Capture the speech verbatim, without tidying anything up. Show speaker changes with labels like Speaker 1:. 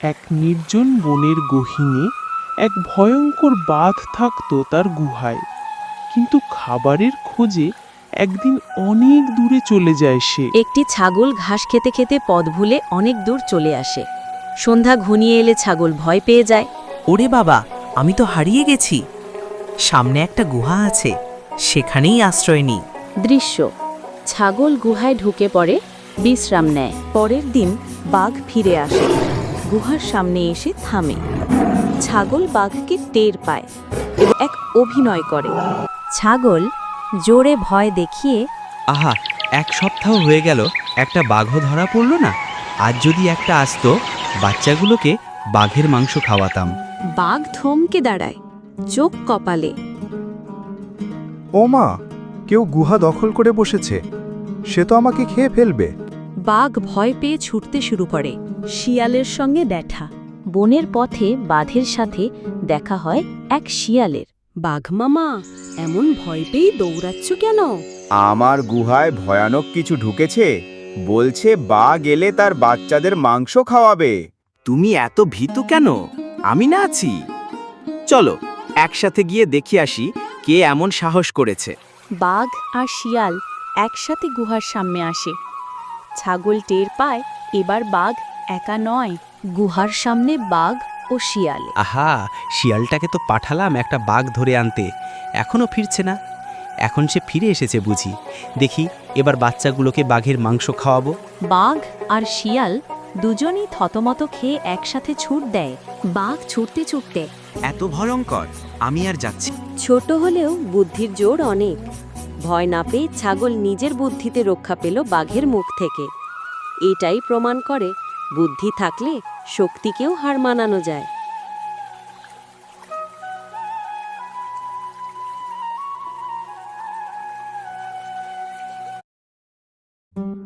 Speaker 1: এক নির্জন বনের গহীনে এক ভয়ঙ্কর বাঘ থাকত তার গুহায়। কিন্তু খাবারের খোঁজে একদিন অনেক দূরে চলে যায় সে।
Speaker 2: একটি ছাগল ঘাস খেতে খেতে পথ ভুলে অনেক দূর চলে আসে। সন্ধ্যা ঘনিয়ে এলে ছাগল ভয় পেয়ে যায়।
Speaker 3: ওরে বাবা, আমি তো হারিয়ে গেছি। সামনে একটা গুহা আছে, সেখানেই আশ্রয় নিই।
Speaker 2: দৃশ্য: ছাগল গুহায় ঢুকে পড়ে, বিশ্রাম নেয়। পরের দিন বাঘ ফিরে আসে, গুহার সামনে এসে থামে। ছাগল বাঘকে টের পায় এবং এক অভিনয় করে। ছাগল জোরে ভয় দেখিয়ে,
Speaker 4: আহা, এক সপ্তাহ হয়ে গেল, একটা বাঘও ধরা পড়ল না। আজ যদি একটা আসতো, বাচ্চাগুলোকে বাঘের মাংস খাওয়াতাম।
Speaker 2: বাঘ থমকে দাঁড়ায়, চোখ কপালে।
Speaker 5: ও মা, কেউ গুহা দখল করে বসেছে, সে তো আমাকে খেয়ে ফেলবে।
Speaker 2: বাঘ ভয় পেয়ে ছুটতে শুরু করে। শিয়ালের সঙ্গে দেখা। বনের পথে বাঘের সাথে দেখা হয় এক শিয়ালের। বাঘ মামা, এমন ভয় পেয়ে দৌড়াচ্ছ কেন?
Speaker 6: আমার গুহায় ভয়ানক কিছু ঢুকেছে, বলছে বাঘ এলে তার বাচ্চাদের মাংস খাওয়াবে।
Speaker 7: তুমি এত ভীতু কেন? আমি না আছি। চলো একসাথে গিয়ে দেখি আসি কে এমন সাহস করেছে।
Speaker 2: বাঘ আর শিয়াল একসাথে গুহার সামনে আসে। ছাগল টের পায় এবার বাঘ একা নয়। গুহার সামনে বাঘ ও শিয়াল।
Speaker 4: আহা, শিয়ালটাকে তো পাঠালাম একটা বাঘ ধরে আনতে, এখনও ফিরছে না। এখন সে ফিরে এসেছে বুঝি। দেখি এবার বাচ্চাগুলোকে বাঘের মাংস খাওয়াবো।
Speaker 2: বাঘ আর শিয়াল দুজনই থতমত খেয়ে একসাথে ছুট দেয়। বাঘ ছুটতে ছুটতে,
Speaker 7: এত ভয়ঙ্কর, আমি আর যাচ্ছি।
Speaker 2: ছোট হলেও বুদ্ধির জোর অনেক। ভয় না পেয়ে ছাগল নিজের বুদ্ধিতে রক্ষা পেল বাঘের মুখ থেকে। এটাই প্রমাণ করে বুদ্ধি থাকলে শক্তিকেও হার মানানো যায়।